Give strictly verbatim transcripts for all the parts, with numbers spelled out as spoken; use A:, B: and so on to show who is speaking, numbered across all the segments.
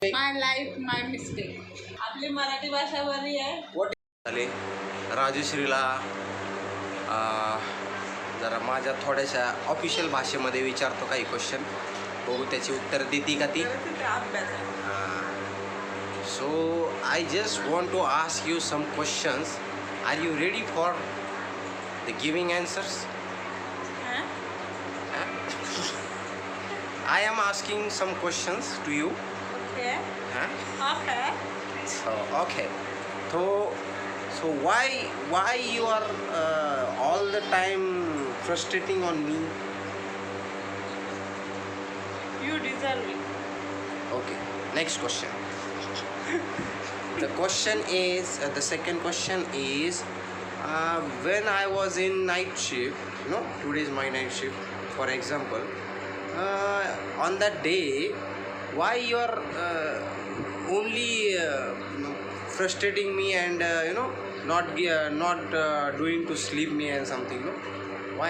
A: My life my mistake. आपली मराठी भाषा बरी आहे.
B: वॉट झाले राजश्रीला जरा माझ्या थोड्याशा ऑफिशियल भाषेमध्ये विचारतो काही क्वेश्चन, बघू त्याची उत्तर देते का ती. So I just want to ask you some questions. Are you ready for the giving answers? I am asking some questions to you.
A: Okay.
B: Huh?
A: Okay.
B: So okay. So so why why you are uh, all the time frustrating on me?
A: You deserve it.
B: Okay. Next question. The question is uh, the second question is uh, when I was in night shift. You know, today is my night shift. For example. Uh, on that day, why you are uh, only uh, frustrating me and uh, you know not uh, not uh, doing to sleep me and something, no? Why?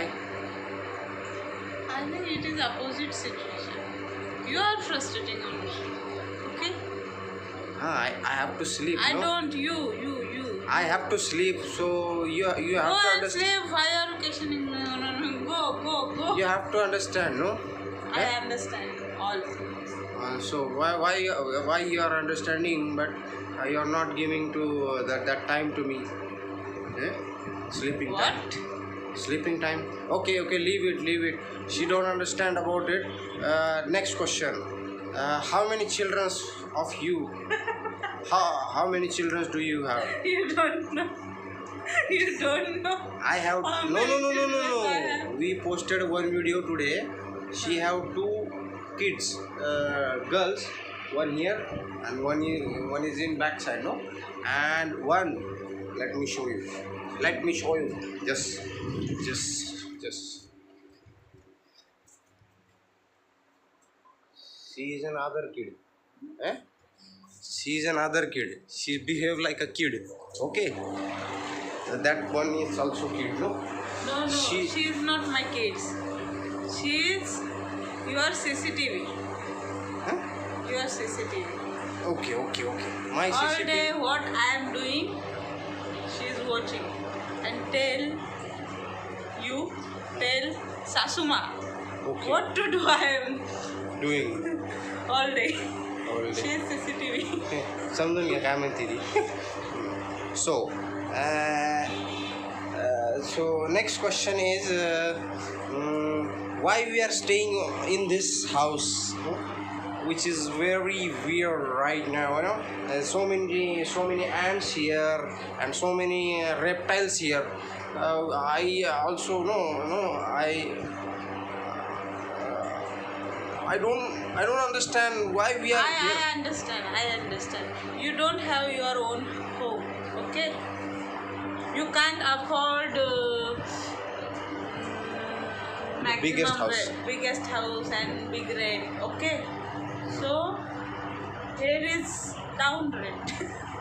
A: I think it is opposite situation. You are frustrating on me. Okay?
B: Ah, I, I have to sleep.
A: I
B: no?
A: don't. You you you.
B: I have to sleep, so you you have
A: Go
B: to
A: and
B: understand.
A: sleep. Why are you questioning me? No, no, no. Go go go.
B: You have to understand, no?
A: I understand all things.
B: Uh, so why why you- why you are understanding, but uh, you are not giving to uh, that that time to me? Eh? Sleeping time.
A: What?
B: Sleeping time. Okay, okay, leave it, leave it. She don't understand about it. Uh, next question. Uh, how many children of you? how how many children do you have?
A: You don't know. You don't know.
B: I have
A: How
B: no no
A: many
B: no no no
A: children I
B: no.
A: have?
B: We posted one video today. She have two kids, uh, girls. One here and one is one is in back side, no? And one. Let me show you. Let me show you. Just, just, just. She is another kid. Eh? She is another kid. She behave like a kid. Okay. That one is also kid, no?
A: No, no.
B: She-
A: She is not my kids. She is your C C T V.
B: Huh?
A: Your C C T V.
B: Okay, okay, okay. My
A: All
B: C C T V.
A: day what I am doing, she is watching. And tell you, tell Sasuma
B: Okay.
A: what to do I am
B: Doing
A: all day.
B: all
A: She
B: day.
A: is C C T V.
B: समजून घ्या काय म्हणते ती. So, uh, uh, so next question is, uh, um, why we are staying in this house, no? Which is very weird right now. You know, there's so many, so many ants here and so many uh, reptiles here. Uh, I also know, no, I. I don't I don't understand why we are
A: I,
B: here.
A: I understand. I understand. You don't have your own home. Okay? You can't afford uh, maximum
B: Biggest house.
A: rent- biggest house and big rent. Okay? So here is town rent.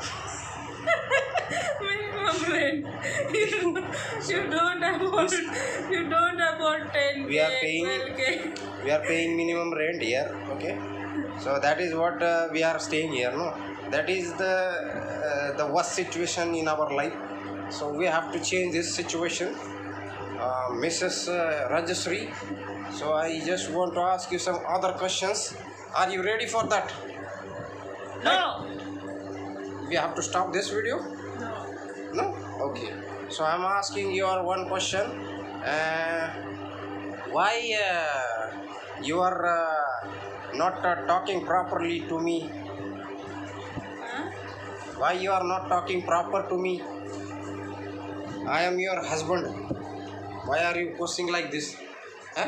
A: Minimum rent. You, you don't afford. You don't afford ten k,
B: We are paying-
A: twelve k.
B: We are paying minimum rent here, okay? So that is what uh, we are staying here, no? That is the uh, the worst situation in our life. So we have to change this situation, uh, Missus Uh, Rajashree. So I just want to ask you some other questions. Are you ready for that?
A: No.
B: We have to stop this video.
A: No.
B: No? Okay. So I'm asking you one question. Uh, why uh, you are uh, not uh, talking properly to me?
A: Huh?
B: Why you are not talking proper to me? I am your husband. Why are you posting like this? Huh?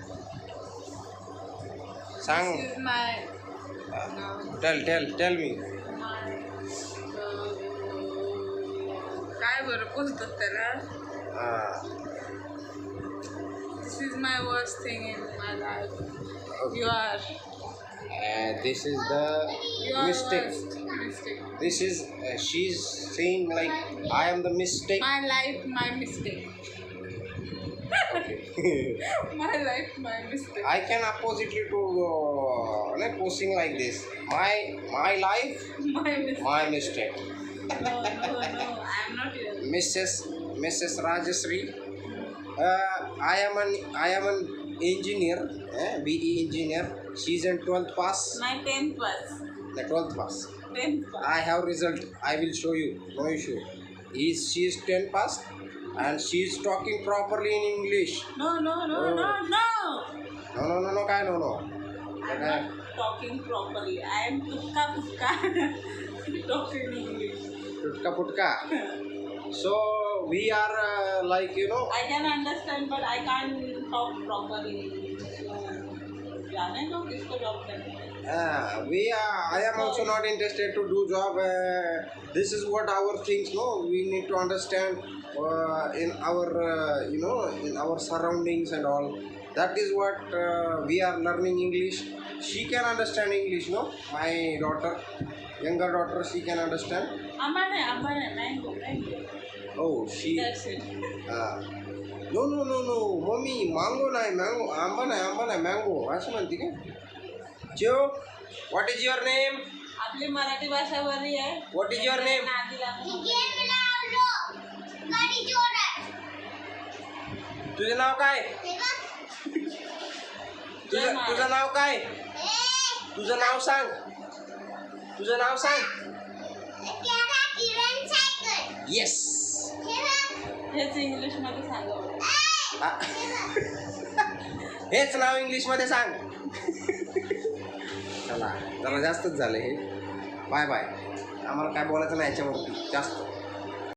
B: Sang,
A: This is my
B: tell, tell, tell me.
A: काय बरं बोलतात त्याला.
B: Uh,
A: This is my worst thing in my life.
B: Okay.
A: You are.
B: uh, this is the
A: You are
B: mistake.
A: worst mistake.
B: This is uh, she's saying like I am the mistake.
A: My life, my mistake.
B: Okay.
A: My life, my mistake.
B: I can oppositely to uh, like posting like this. My my life,
A: My mistake.
B: my mistake.
A: No, no, no. I'm not here.
B: Missus Missus Rajasri, uh, I am an I am an engineer, eh, B E engineer. She's in twelfth pass.
A: My tenth was.
B: The twelfth pass.
A: Tenth was.
B: I have result. I will show you. No issue. Is she is ten pass, and she is talking properly in English.
A: No, no, no,
B: Oh.
A: no, no.
B: No no no no kai no no.
A: I'm
B: Okay.
A: not talking properly. I am tukka tukka talking English.
B: Putka putka. So we are uh, like you know.
A: I can understand, but I can't talk properly. So, जाने दो किसको job करना है.
B: Uh, we are, I am also not interested to do job. Uh, this is what our things. No, we need to understand uh, in our uh, you know in our surroundings and all. That is what uh, we are learning English. She can understand English. No, my daughter, younger daughter, she can understand.
A: Ambane, ambane, mango, mango.
B: Oh, she.
A: That's it.
B: Uh, no, no, no, no, mommy, mango nahi, mango, amba nahi, amba nahi, mango. असं म्हणते का? Jo, what is your name?
A: आपली मराठी भाषा बरी आहे.
B: What is your name?
A: नादी लागू.
B: तुझं नाव काय? तुझं तुझं नाव काय? तुझं नाव सांग. तुझं नाव सांग. Yes.
A: हेच इंग्लिश मध्ये सांगा.
B: आ- हेच नाव इंग्लिश मध्ये सांग. चला जरा जास्तच झालं हे. Bye bye. आम्हाला काय बोलायचं नाही याच्यावरती जास्त.